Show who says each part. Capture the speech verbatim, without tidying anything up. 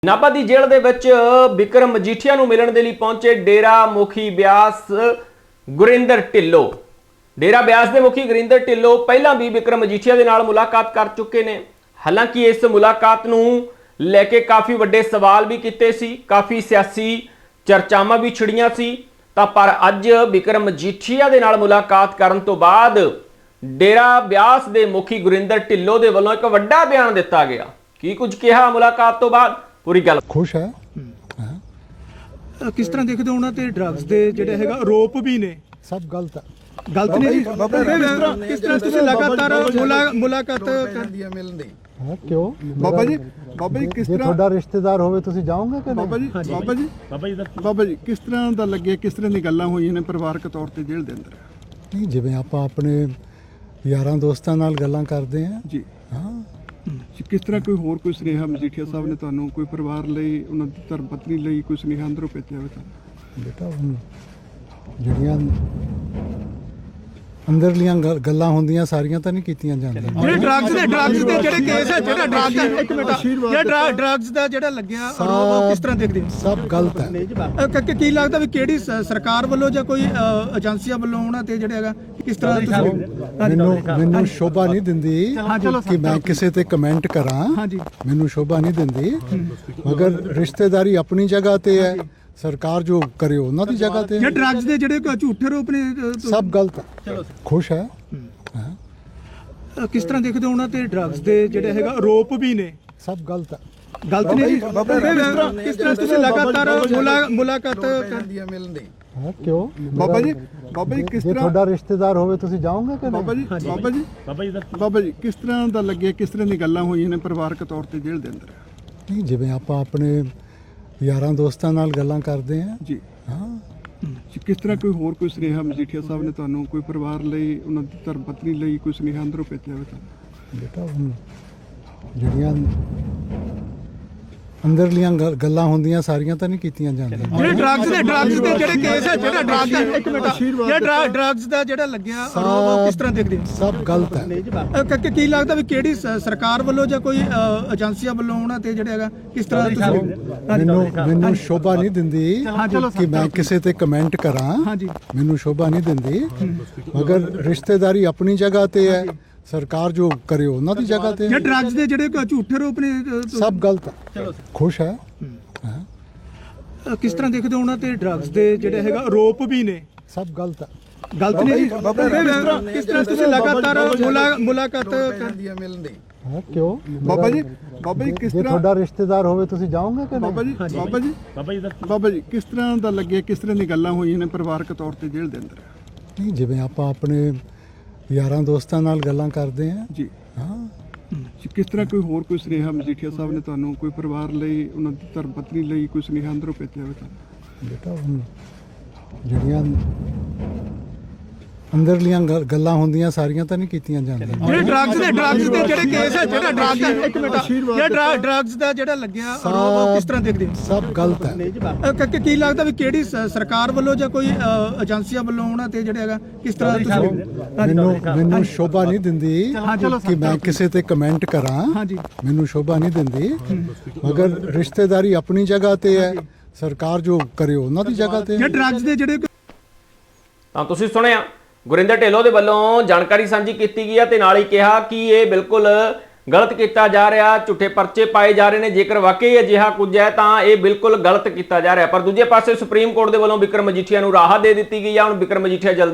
Speaker 1: ਨਾਭਾ ਦੀ ਜੇਲ੍ਹ ਦੇ ਵਿੱਚ ਵਿਕਰਮ ਮਜੀਠੀਆ ਨੂੰ ਮਿਲਣ ਦੇ ਲਈ ਪਹੁੰਚੇ ਡੇਰਾ ਮੁਖੀ ਬਿਆਸ ਗੁਰਿੰਦਰ ਢਿੱਲੋਂ। ਡੇਰਾ ਬਿਆਸ ਦੇ ਮੁਖੀ ਗੁਰਿੰਦਰ ਢਿੱਲੋਂ ਪਹਿਲਾਂ ਵੀ ਵਿਕਰਮ ਮਜੀਠੀਆ ਦੇ ਨਾਲ ਮੁਲਾਕਾਤ ਕਰ ਚੁੱਕੇ ਨੇ। ਹਾਲਾਂਕਿ ਇਸ ਮੁਲਾਕਾਤ ਨੂੰ ਲੈ ਕੇ ਕਾਫੀ ਵੱਡੇ ਸਵਾਲ ਵੀ ਕੀਤੇ ਸੀ, ਕਾਫੀ ਸਿਆਸੀ ਚਰਚਾਵਾਂ ਵੀ ਛਿੜੀਆਂ ਸੀ। ਤਾਂ ਪਰ ਅੱਜ ਵਿਕਰਮ ਮਜੀਠੀਆ ਦੇ ਨਾਲ ਮੁਲਾਕਾਤ ਕਰਨ ਤੋਂ ਬਾਅਦ ਡੇਰਾ ਬਿਆਸ ਦੇ ਮੁਖੀ ਗੁਰਿੰਦਰ ਢਿੱਲੋਂ ਦੇ ਵੱਲੋਂ ਇੱਕ ਵੱਡਾ ਬਿਆਨ ਦਿੱਤਾ ਗਿਆ। ਕੀ ਕੁਝ ਕਿਹਾ ਮੁਲਾਕਾਤ ਤੋਂ ਬਾਅਦ, ਪੂਰੀ ਗੱਲ
Speaker 2: खुश है।
Speaker 3: किस तरह देखते हो ਉਹਨਾਂ ਤੇ ਡਰੱਗਸ ਦੇ ਜਿਹੜੇ ਹੈਗਾ ਆਰੋਪ ਵੀ ਨੇ,
Speaker 2: सब गलत है।
Speaker 3: ਗਲਤ ਨੇ ਜੀ। ਕਿਸ ਤਰ੍ਹਾਂ ਤੁਸੀਂ ਲਗਾਤਾਰ ਮੁਲਾਕਾਤ
Speaker 2: हाँ, क्यों
Speaker 4: ਬਾਬਾ ਜੀ ਬਾਬਾ ਜੀ ਕਿਸ
Speaker 2: ਜੇ
Speaker 4: ਤਰ੍ਹਾਂ
Speaker 2: ਤੁਹਾਡਾ ਰਿਸ਼ਤੇਦਾਰ ਹੋਵੇ ਤੁਸੀਂ ਜਾਓਗੇ ਕਿ
Speaker 4: ਬਾਬਾ
Speaker 2: ਨਹੀਂ?
Speaker 4: ਜੀ ਬਾਬਾ ਜੀ ਬਾਬਾ ਜੀ ਕਿਸ ਤਰ੍ਹਾਂ ਦਾ ਲੱਗਿਆ, ਕਿਸ ਤਰ੍ਹਾਂ ਦੀ ਗੱਲਾਂ ਹੋਈਆਂ ਨੇ ਪਰਿਵਾਰਕ ਤੌਰ ਤੇ ਜੇਲ੍ਹ ਦੇ ਅੰਦਰ?
Speaker 2: ਨਹੀਂ, ਜਿਵੇਂ ਆਪਾਂ ਆਪਣੇ ਯਾਰਾਂ ਦੋਸਤਾਂ ਨਾਲ ਗੱਲਾਂ ਕਰਦੇ ਹਾਂ।
Speaker 4: ਜੀ
Speaker 2: ਹਾਂ,
Speaker 4: ਕਿਸ ਤਰ੍ਹਾਂ ਕੋਈ ਹੋਰ ਕੋਈ ਸੁਨੇਹਾ ਮਜੀਠੀਆ ਸਾਹਿਬ ਨੇ ਤੁਹਾਨੂੰ ਕੋਈ ਪਰਿਵਾਰ ਲਈ, ਉਹਨਾਂ ਦੀ ਧਰਮ ਪਤਨੀ ਲਈ ਕੋਈ ਸੁਨੇਹਾ ਅੰਦਰੋਂ ਭੇਜਿਆ ਹੋਵੇ ਤਾਂ?
Speaker 2: ਬੇਟਾ ਹੁਣ ਜਿਹੜੀਆਂ ਅੰਦਰਲੀਆਂ ਗੱਲ- ਗੱਲਾਂ ਹੁੰਦੀਆਂ ਸਾਰੀਆਂ ਤਾਂ ਨਹੀਂ ਕੀਤੀਆਂ ਜਾਂਦੀਆਂ।
Speaker 3: ਜਿਹੜੇ ਡਰੱਗਸ ਦੇ ਡਰੱਗਸ ਦੇ ਜਿਹੜੇ ਕੇਸ ਹੈ, ਜਿਹੜਾ ਡਰੱਗ ਦਾ ਇੱਕ ਮਿੰਟ ਜਿਹੜਾ ਡਰੱਗਸ ਦਾ ਜਿਹੜਾ ਲੱਗਿਆ ਆਰੋਪ, ਉਹ ਕਿਸ ਤਰ੍ਹਾਂ ਦੇਖਦੇ ਹੋ?
Speaker 2: ਸਭ ਗਲਤ ਹੈ।
Speaker 3: ਅ, ਕ- ਕ- ਕੀ ਲੱਗਦਾ ਵੀ ਕਿਹੜੀ ਸ- ਸਰਕਾਰ ਵੱਲੋਂ ਜਾਂ ਕੋਈ ਅ, ਏਜੰਸੀਆਂ ਵੱਲੋਂ ਉਹਨਾਂ ਤੇ ਜਿਹੜਾ ਹੈਗਾ ਕਿਸ ਤਰ੍ਹਾਂ ਤੁਸੀਂ
Speaker 2: ਮੈਨੂੰ ਮੈਨੂੰ ਸ਼ੋਭਾ ਨਹੀਂ ਦਿੰਦੀ ਕਿ ਮੈਂ ਕਿਸੇ ਤੇ ਕਮੈਂਟ ਕਰਾਂ।
Speaker 3: ਹਾਂਜੀ
Speaker 2: ਮੈਨੂੰ ਸ਼ੋਭਾ ਨਹੀਂ ਦਿੰਦੀ, ਮਗਰ ਰਿਸ਼ਤੇਦਾਰੀ ਆਪਣੀ ਜਗ੍ਹਾ ਤੇ ਹੈ, ਸਰਕਾਰ ਜੋ ਕਰੇ ਉਹਨਾਂ ਦੀ ਜਗ੍ਹਾ ਤੇ
Speaker 3: ਜੇ
Speaker 2: ਹੈ।
Speaker 3: ਡਰੱਗਸ ਦੇ ਜਿਹੜੇ ਕੋਈ ਝੂਠੇ ਆਰੋਪ ਨੇ, ਅ,
Speaker 2: ਸਭ ਗਲਤ ਹੈ। ਖੁਸ਼ ਹੈ। ਹਾਂ,
Speaker 3: ਅ, ਕਿਸ ਤਰ੍ਹਾਂ ਦੇਖਦੇ ਹੋ ਉਹਨਾਂ ਤੇ ਡਰੱਗਸ ਦੇ ਜਿਹੜੇ ਹੈਗਾ ਆਰੋਪ ਵੀ ਨੇ,
Speaker 2: ਸਭ ਗਲਤ ਹੈ।
Speaker 3: ਗਲਤ ਨੇ ਜੀ। ਕਿਸ ਤਰ੍ਹਾਂ ਤੁਸੀਂ ਲਗਾਤਾਰ ਮੁਲਾਕਾਤ
Speaker 2: ਹਾਂ, ਕਿਉਂ
Speaker 4: ਬਾਬਾ ਜੀ ਬਾਬਾ ਜੀ ਕਿਸ
Speaker 2: ਜੇ
Speaker 4: ਤਰ੍ਹਾਂ
Speaker 2: ਤੁਹਾਡਾ ਰਿਸ਼ਤੇਦਾਰ ਹੋਵੇ ਤੁਸੀਂ ਜਾਓਗੇ ਕਿ
Speaker 4: ਬਾਬਾ
Speaker 2: ਨਹੀਂ?
Speaker 4: ਜੀ ਬਾਬਾ ਜੀ ਬਾਬਾ ਜੀ ਕਿਸ ਤਰ੍ਹਾਂ ਦਾ ਲੱਗਿਆ, ਕਿਸ ਤਰ੍ਹਾਂ ਦੀ ਗੱਲਾਂ ਹੋਈਆਂ ਨੇ ਪਰਿਵਾਰਕ ਤੌਰ ਤੇ ਜੇਲ੍ਹ ਦੇ ਅੰਦਰ?
Speaker 2: ਨਹੀਂ, ਜਿਵੇਂ ਆਪਾਂ ਆਪਣੇ ਯਾਰਾਂ ਦੋਸਤਾਂ ਨਾਲ ਗੱਲਾਂ ਕਰਦੇ ਹਾਂ।
Speaker 4: ਜੀ
Speaker 2: ਹਾਂ,
Speaker 4: ਕਿਸ ਤਰ੍ਹਾਂ ਕੋਈ ਹੋਰ ਕੋਈ ਸੁਨੇਹਾ ਮਜੀਠੀਆ ਸਾਹਿਬ ਨੇ ਤੁਹਾਨੂੰ ਕੋਈ ਪਰਿਵਾਰ ਲਈ, ਉਹਨਾਂ ਦੀ ਧਰਮ ਪਤਨੀ ਲਈ ਕੋਈ ਸੁਨੇਹਾ ਅੰਦਰੋਂ ਭੇਜਿਆ ਹੋਵੇ ਤਾਂ?
Speaker 2: ਬੇਟਾ ਹੁਣ ਜਿਹੜੀਆਂ ਅੰਦਰਲੀਆਂ ਗੱਲ- ਗੱਲਾਂ ਹੁੰਦੀਆਂ ਸਾਰੀਆਂ ਤਾਂ ਨਹੀਂ ਕੀਤੀਆਂ ਜਾਂਦੀਆਂ।
Speaker 3: ਜਿਹੜੇ ਡਰੱਗਸ ਦੇ ਡਰੱਗਸ ਦੇ ਜਿਹੜੇ ਕੇਸ ਹੈ, ਜਿਹੜਾ ਡਰੱਗ ਦਾ ਇੱਕ ਮਿੰਟ ਜਿਹੜਾ ਡਰੱਗਸ ਦਾ ਜਿਹੜਾ ਲੱਗਿਆ ਆਰੋਪ, ਉਹ ਕਿਸ ਤਰ੍ਹਾਂ ਦੇਖਦੇ ਹੋ?
Speaker 2: ਸਭ ਗਲਤ ਹੈ।
Speaker 3: ਅ, ਕ- ਕ- ਕੀ ਲੱਗਦਾ ਵੀ ਕਿਹੜੀ ਸ- ਸਰਕਾਰ ਵੱਲੋਂ ਜਾਂ ਕੋਈ ਅ, ਏਜੰਸੀਆਂ ਵੱਲੋਂ ਉਹਨਾਂ ਤੇ ਜਿਹੜਾ ਹੈਗਾ ਕਿਸ ਤਰ੍ਹਾਂ ਤੁਸੀਂ
Speaker 2: ਮੈਨੂੰ ਮੈਨੂੰ ਸ਼ੋਭਾ ਨਹੀਂ ਦਿੰਦੀ ਕਿ ਮੈਂ ਕਿਸੇ ਤੇ ਕਮੈਂਟ ਕਰਾਂ।
Speaker 3: ਹਾਂਜੀ
Speaker 2: ਮੈਨੂੰ ਸ਼ੋਭਾ ਨਹੀਂ ਦਿੰਦੀ, ਮਗਰ ਰਿਸ਼ਤੇਦਾਰੀ ਆਪਣੀ ਜਗ੍ਹਾ ਤੇ ਹੈ, ਸਰਕਾਰ ਜੋ ਕਰੇ ਉਹਨਾਂ ਦੀ ਜਗ੍ਹਾ ਤੇ
Speaker 3: ਜੇ
Speaker 2: ਹੈ।
Speaker 3: ਡਰੱਗਸ ਦੇ ਜਿਹੜੇ ਕੋਈ ਝੂਠੇ ਆਰੋਪ ਨੇ, ਅ,
Speaker 2: ਸਭ ਗਲਤ ਹੈ। ਖੁਸ਼ ਹੈ। ਹਾਂ,
Speaker 3: ਅ, ਕਿਸ ਤਰ੍ਹਾਂ ਦੇਖਦੇ ਹੋ ਉਹਨਾਂ ਤੇ ਡਰੱਗਸ ਦੇ ਜਿਹੜੇ ਹੈਗਾ ਆਰੋਪ ਵੀ ਨੇ,
Speaker 2: ਸਭ ਗਲਤ ਹੈ।
Speaker 3: ਗਲਤ ਨੇ ਜੀ। ਕਿਸ ਤਰ੍ਹਾਂ ਤੁਸੀਂ ਲਗਾਤਾਰ ਮੁਲਾਕਾਤ
Speaker 2: ਹਾਂ, ਕਿਉਂ
Speaker 4: ਬਾਬਾ ਜੀ ਬਾਬਾ ਜੀ ਕਿਸ
Speaker 2: ਜੇ
Speaker 4: ਤਰ੍ਹਾਂ
Speaker 2: ਤੁਹਾਡਾ ਰਿਸ਼ਤੇਦਾਰ ਹੋਵੇ ਤੁਸੀਂ ਜਾਓਗੇ ਕਿ
Speaker 4: ਬਾਬਾ
Speaker 2: ਨਹੀਂ?
Speaker 4: ਜੀ ਬਾਬਾ ਜੀ ਬਾਬਾ ਜੀ ਕਿਸ ਤਰ੍ਹਾਂ ਦਾ ਲੱਗਿਆ, ਕਿਸ ਤਰ੍ਹਾਂ ਦੀ ਗੱਲਾਂ ਹੋਈਆਂ ਨੇ ਪਰਿਵਾਰਕ ਤੌਰ ਤੇ ਜੇਲ੍ਹ ਦੇ ਅੰਦਰ?
Speaker 2: ਨਹੀਂ, ਜਿਵੇਂ ਆਪਾਂ ਆਪਣੇ ਯਾਰਾਂ ਦੋਸਤਾਂ ਨਾਲ ਗੱਲਾਂ ਕਰਦੇ ਹਾਂ।
Speaker 4: ਜੀ
Speaker 2: ਹਾਂ,
Speaker 4: ਕਿਸ ਤਰ੍ਹਾਂ ਕੋਈ ਹੋਰ ਕੋਈ ਸੁਨੇਹਾ ਮਜੀਠੀਆ ਸਾਹਿਬ ਨੇ ਤੁਹਾਨੂੰ ਕੋਈ ਪਰਿਵਾਰ ਲਈ, ਉਹਨਾਂ ਦੀ ਧਰਮ ਪਤਨੀ ਲਈ ਕੋਈ ਸੁਨੇਹਾ ਅੰਦਰੋਂ ਭੇਜਿਆ ਹੋਵੇ ਤਾਂ?
Speaker 2: ਬੇਟਾ ਹੁਣ ਜਿਹੜੀਆਂ ਅੰਦਰਲੀਆਂ ਗੱਲ- ਗੱਲਾਂ ਹੁੰਦੀਆਂ ਸਾਰੀਆਂ ਤਾਂ ਨਹੀਂ ਕੀਤੀਆਂ ਜਾਂਦੀਆਂ।
Speaker 3: ਜਿਹੜੇ ਡਰੱਗਸ ਦੇ ਡਰੱਗਸ ਦੇ ਜਿਹੜੇ ਕੇਸ ਹੈ, ਜਿਹੜਾ ਡਰੱਗ ਦਾ ਇੱਕ ਮਿੰਟ ਜਿਹੜਾ ਡਰੱਗਸ ਦਾ ਜਿਹੜਾ ਲੱਗਿਆ ਆਰੋਪ, ਉਹ ਕਿਸ ਤਰ੍ਹਾਂ ਦੇਖਦੇ ਹੋ?
Speaker 2: ਸਭ ਗਲਤ ਹੈ।
Speaker 3: ਅ, ਕ- ਕ- ਕੀ ਲੱਗਦਾ ਵੀ ਕਿਹੜੀ ਸ- ਸਰਕਾਰ ਵੱਲੋਂ ਜਾਂ ਕੋਈ ਅ, ਏਜੰਸੀਆਂ ਵੱਲੋਂ ਉਹਨਾਂ ਤੇ ਜਿਹੜਾ ਹੈਗਾ ਕਿਸ ਤਰ੍ਹਾਂ ਤੁਸੀਂ
Speaker 2: ਮੈਨੂੰ ਮੈਨੂੰ ਸ਼ੋਭਾ ਨਹੀਂ ਦਿੰਦੀ ਕਿ ਮੈਂ ਕਿਸੇ ਤੇ ਕਮੈਂਟ ਕਰਾਂ।
Speaker 3: ਹਾਂਜੀ
Speaker 2: ਮੈਨੂੰ ਸ਼ੋਭਾ ਨਹੀਂ ਦਿੰਦੀ, ਮਗਰ ਰਿਸ਼ਤੇਦਾਰੀ ਆਪਣੀ ਜਗ੍ਹਾ ਤੇ ਹੈ, ਸਰਕਾਰ ਜੋ ਕਰੇ ਉਹਨਾਂ ਦੀ ਜਗ੍ਹਾ ਤੇ
Speaker 3: ਜੇ
Speaker 2: ਹੈ।
Speaker 3: ਡਰੱਗਸ ਦੇ ਜਿਹੜੇ
Speaker 1: ਤਾਂ ਤੁਸੀਂ ਸੁਣਿਆ ਗੁਰਿੰਦਰ ਢਿੱਲੋਂ ਦੇ ਵੱਲੋਂ ਜਾਣਕਾਰੀ ਸਾਂਝੀ ਕੀਤੀ ਗਈ ਹੈ ਤੇ ਨਾਲ ਹੀ ਕਿਹਾ ਕਿ ਇਹ ਬਿਲਕੁਲ ਗਲਤ ਕੀਤਾ ਜਾ ਰਿਹਾ, ਝੂਠੇ ਪਰਚੇ ਪਾਏ ਜਾ ਰਹੇ ਨੇ। ਜੇਕਰ ਵਾਕਈ ਅਜਿਹਾ ਕੁਝ ਹੈ ਤਾਂ ਇਹ ਬਿਲਕੁਲ ਗਲਤ ਕੀਤਾ ਜਾ ਰਿਹਾ। ਪਰ ਦੂਜੇ ਪਾਸੇ ਸੁਪਰੀਮ ਕੋਰਟ ਦੇ ਵੱਲੋਂ ਵਿਕਰਮ ਮਜੀਠੀਆ ਨੂੰ ਰਾਹਤ ਦੇ ਦਿੱਤੀ ਗਈ ਹੈ। ਹੁਣ ਵਿਕਰਮ ਮਜੀਠੀਆ ਜਲਦੀ